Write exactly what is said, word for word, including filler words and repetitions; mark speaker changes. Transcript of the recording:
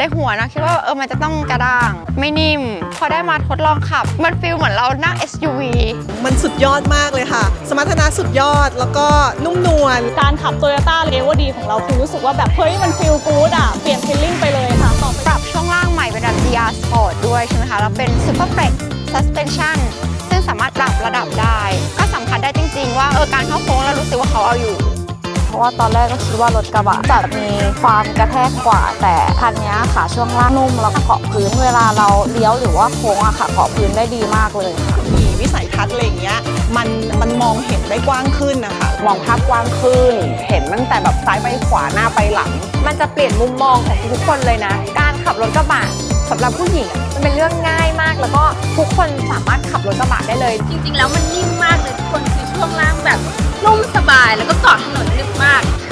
Speaker 1: ในหัวนะคิดว่าเออมันจะต้องกระด้างไม่นิ่มพอได้มาทดลองขับมันฟีลเหมือนเรานั่ง เอส ยู วี
Speaker 2: มันสุดยอดมากเลยค่ะ สมรรถนะสุดยอดแล้วก็นุ่มนวล
Speaker 3: การขับ Toyota เรเวอร์ดีของเราคือรู้สึกว่าแบบเฮ้ยมันฟีลกู๊ดอ่ะเปลี่ยนฟีลลิ่งไปเลยค่ะต่อไป
Speaker 1: ปรับช่วงล่างใหม่เป็นแบบ ดี อาร์ Sport ด้วยใช่ไหมคะแล้วเป็น Super Flex Suspension ซึ่งสามารถปรับระดับได้ก็สัมผัสได้จริงๆว่าเออการเข้าโค้งแล้วรู้สึกว่าเขาเอาอยู่
Speaker 4: เพราะว่าตอนแรกก็คิดว่ารถกระบะจะมีความกระแทกกว่าแต่คันนี้ค่ะช่วงล่างนุ่มแล้วก็เกาะพื้นเวลาเราเลี้ยวหรือว่าโค้งอะค่ะเกาะพื้นได้ดีมากเลย
Speaker 2: มีวิสัยทัศน์อะไรอย่างเงี้ยมันมันมองเห็นได้กว้างขึ้นนะคะ
Speaker 5: มองภาพกว้างขึ้นเห็นตั้งแต่แบบซ้ายไปขวาหน้าไปหลัง
Speaker 6: มันจะเปลี่ยนมุมมองของทุกคนเลยนะการขับรถกระบะสำหรับผู้หญิงมันเป็นเรื่องง่ายมากแล้วก็ทุกคนสามารถขับรถกระบะได้เลยจริงๆแล้วมันนิ่มมากเลยทุกคนคือช่วงล่างแบบนุ่มสบายแล้วก็เกาะถนนนึกมาก